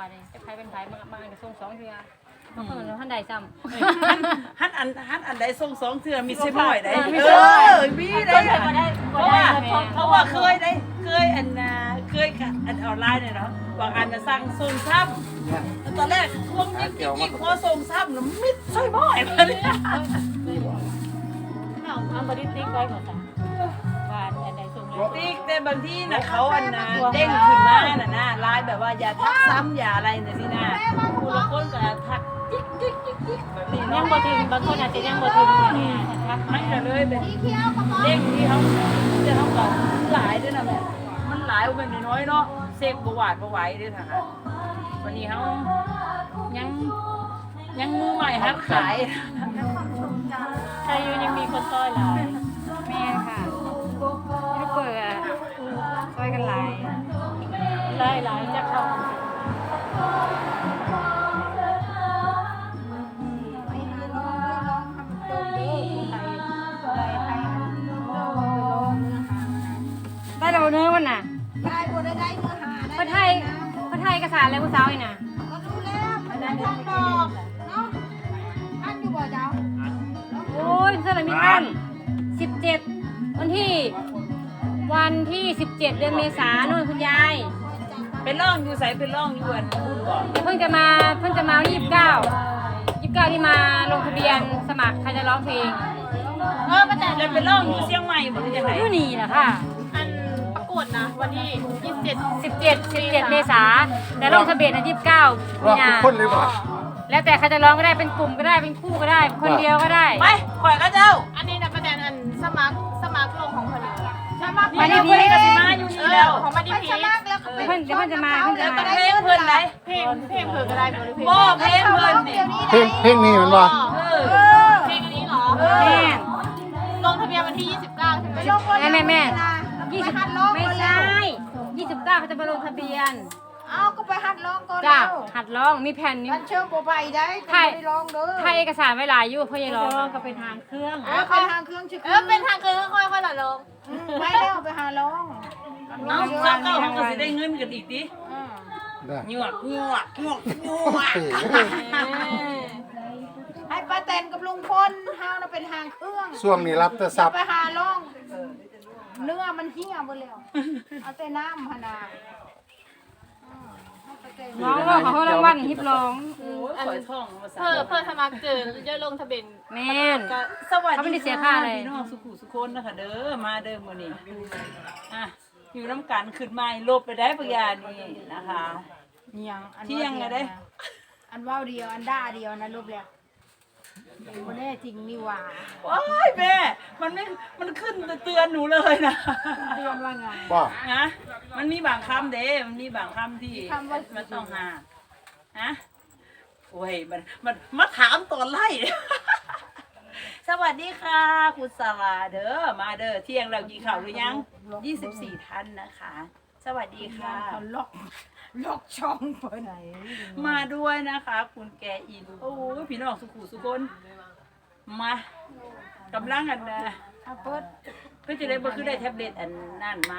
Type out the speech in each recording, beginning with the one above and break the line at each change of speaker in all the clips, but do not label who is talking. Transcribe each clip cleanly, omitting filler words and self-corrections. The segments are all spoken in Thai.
บาดนี้จะใครเป็นไผมาอันก็ส่ง2เทื่อเขาเพิ่นท่านใดซ้ำ
ฮันอันใดส่ง2เทื่อมีสิบ่อยได้มีได้เพราะว่าเคยอันอันออนไลน์เนี่ยเนาะบางอันน่ะสั่งส่งซ้ำตอนแรกทวงยิ่งพอส่งซ้ำแล้วมิดใช่บ่อยมาเนี่ย
เอาบ่ได้ติ๊กไว้ก่อนจ้ะว่าอันใดส่งแล้ว
ติ๊กแต่บางทีน่ะเขาอันน่ะเด้งขึ้นมาน่ะนะไลน์แบบว่าอย่าทักซ้ำอย่าอะไรน่ะสินะผู้ละคนก็ทักจิ๊กแบบนี้
ยั
เนาะ
งบ่ถึงบางคนอาจจะยังบ่ถึงเนี่ยทัก
มันก็เลยเป็นเด้งที่เขาจะต้องก่อนหลายด้วยนะแม่มันหลายเป็นน้อยเนาะเสกบวาดบวไหวด้วยค่ะวันนี้เขายังมือใหม่ฮัดขาย
ใช่อยู่ยังมีคนซอยหลายแม่ค่ะไม่เปิดซอยกันหลายจะเข้าได้เราเนื้อมันน่ะ
ได้บ่ได้ได้เนื้อหาได้
พระไทยกษาอะไรผู้สาวนี่น่ะ
ก็รู้แล้วมันได้ทำดอกเนาะท่านอยู่บ่เจ้า
โอ้ยเสื้ออะไรมีท่าน17วันที่17เดือนเมษายนนู่นคุณยาย
เป็นร่องอยู่ใส่เป็นร่องอยู่อันพูดก่อน
เพิ่งจะมาวันที่29ที่มาลงทะเบียนสมัครใครจะร้องเพลง
ป้าแตนเลยเป็นร่องอยู่เชียงใหม่หมดเลยจะไหน
อยู่นี่แหละค่ะ
อันประกวดนะวันที่
17เมษาแต่ลงทะเบียน29
รอบทุกคนเลยป่ะ
แล้วแต่ใครจะร้องก็ได้เป็นกลุ่มก็ได้เป็นคู่ก็ได้คนเดียวก็ได้
ไปข่อยก็เจ้า
อันนี้นะประเด็นอันสมัครลงของคนอื่น
สมัคร
มาดีพีก็สิมาอยู่นี่แล้ว
ของมาดี
ไป
พี
สมัครแล้วก็ไป
เพิ่นจะมาเพิ่นจะ
แล้ว
มา
ก็เพลงเพิ่นไหน
เพลงเผื่อก็ได้บริเพลง
บ่เพลงเพิ่นนี่
เพลงนี้มันว่า
เพลงอันนี้เหรอ
แม่
ลงทะเบียนวันที่29ใช่ไหม
ไปลงบน
แม่
ยี่
20
สิบหัดร้อง
ไม่
ก่อน
ใช
แล้ว
่29เขาจะมาลงทะเบียน
เอาก็ไปหัดร้องก่อน
จ้า
แล้ว
หัดร้องมีแผ่นนี้
มันเชื่อมบ่ไปได้
ใช่
ไม่ได้ร้องเด้อ
ถ้าเอกสารไว้หลายอยู่เพื่อจะร้องก็เป็นทางเครื่อง
ไปทางเครื่องชื่อ
เป็นทางคือค่อยๆละลง
ไม่แล้วไปหาร้อง
เอาเจ้าเก้าเขาก็สิได้เงินกันอีกดิ
ได้
หยวก
ให้ป้าแตนกับลุงพลเฮาน่ะเป็นทางเครื่อง
ช่วงนี้รับแต่ซับ
ไปหาร้องเนื้อมันเหี่ยวหมดแล้วเอาแต่น้ำพนา
ร้องร้องเขารางวัลฮิปร้อง
โอ้ยข่อยท่องภาษา
เพื่อสมัครเกินจะลงทะเบียน
แม่น
สวัส
เขาไม่
ดี
ได้เสียค่าอะไร
พี่น้องสุขุสุคนนะคะเด้อมาเด้อมื้อนี้อ่ะอยู่น้ำกันขึ้นมาลบไปได้ปะยานี่นะคะ
ยังอัน
เที่ยงไงเด้
อันว่าวเดียวอันด่าเดียวนะรูปแล้วบ่ได้จริงนี่หว่า
ว้ายแม่มันขึ้นเตือนหนูเลยนะ
เตือนว่าไง
บ่
นะมันมีบางคำเด้มันมีบางคำที่
คำว่า
มันต้องหาฮะโอ้ยมันมาถามตอนไล่ สวัสดีค่ะคุณสลาเด้อมาเด้อเที่ยงเรากินข้าวหรือยัง24ท่านนะคะ สวัสดีค่ะ
เขาล็อกช่องเพิ่น
มาด้วยนะคะ คุณแกอินโอ้ยพี่น้องสุขุสุคนมากำลังกันนะ
เอาเปิด
ก็จะได้บ่คือได้แท็บเล็ตอันนั่นมา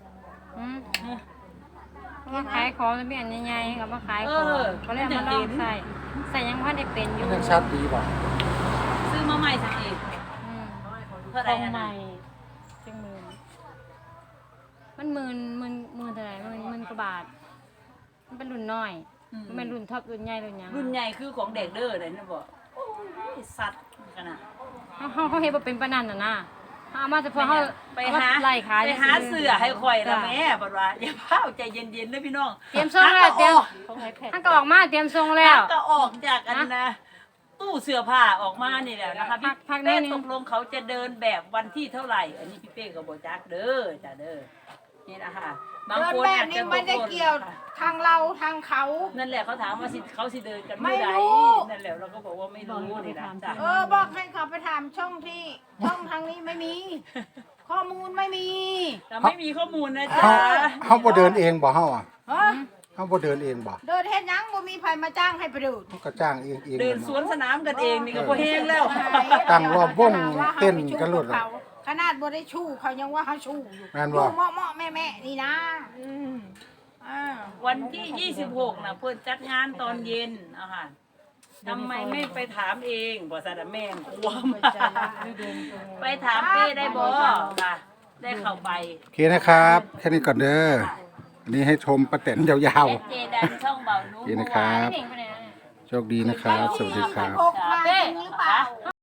มาขายของจะมีอันใหญ่ๆกับมาขายของก็เลยมาลองใส่ยังพันได้เป็นอยู่
ยังชัดดีบ่
ซื้อมาใหม่สักอีกเท่าไห
ข
ร่
อง
อัน
ให
นั้
ม่
น
จังมันหมื่นเท่าไหร่หมื่นกว่าบาทมันเป็นรุ่นน้อยมันเป็นรุ่นท็อปรุ่นใหญ่รุ่นยัง
รุ่นใหญ่คือของเด็กเด้อเลยนะบอกโอ้ยสัตว์ขนาด
เขาเฮ็ดบ่เป็นปานนั้นน่ะนะเอามาเฉพาะเขา
ไปหา
ไล่ขาย
ไปหาเสื้อให้ข่อยละแม่บอกว่าอย่าเผาใจเย็นๆนะพี่น้อง
เตรียมส่งแล้วเตรียมท่านก็ออกมาเตรียมส่งแล้ว
ก็ออกจากอันนะตู้เสื้อผ้าออกมานี่แหละนะคะพี่
พักนิ
เป้
ดนึง
ตกลงเขาจะเดินแบบวันที่เท่าไหร่ อันนี้พี่เป้ก็บอกจักเด้อจ้ะเด้อนี่นะคะบาง
เดิน
คน
แบบ
อาจ
นี้
จะ
มันได้เกี่ยวทางเราทางเขา
นั่นแหละเขาถามว่าเขาสิเดินกันเมื่อไหร่
ไม่รู้
นั่นแหละเราก็บอกว่าไม่รู้นี่นะจ้ะ
บอกให้เขาไปถามช่องทางนี้ไม่มี ข้อมูลไม่มี
เราไม่มีข้อมูลนะจ๊ะ
เฮาบ่เดินเองบ่เฮาอ่ะ
ฮะ
เฮาบ่เดินเองบ่
เดินเฮ็ดหยังบ่มีไผมาจ้างให้ไปเดิน
เฮาก็จ้างเอง
เดินสวนสนามกันเองนี่ก็พอแห้งแล้ว
ตั้งรอบวงเต้นกันโลด
เขาขนาดบ่ได้ชู้เขายังว่าเขาชู้อยู่
แม่น
ดู
บ่
เหมาะๆแม่ๆนี่นะ
วันที่ 26นะเพิ่นจัดงานตอนเย็นเอาค่ะทำไมไม่ไปถามเองบ่ซะแต่แม่งกลัวมากไปถามเป้ได้บ่ค่ะได้เข้าไป
โอเคนะครับแค่นี้ก่อนเด้ออันนี้ให้ชมประเต็นยาว
เจดันช่องเบา
ๆโอ
นุ้
เคนะครับ
เก่งไปไหนนะ
โชคดีนะครับ สวัสดีครับ
พกมาจริงหรือเปล่า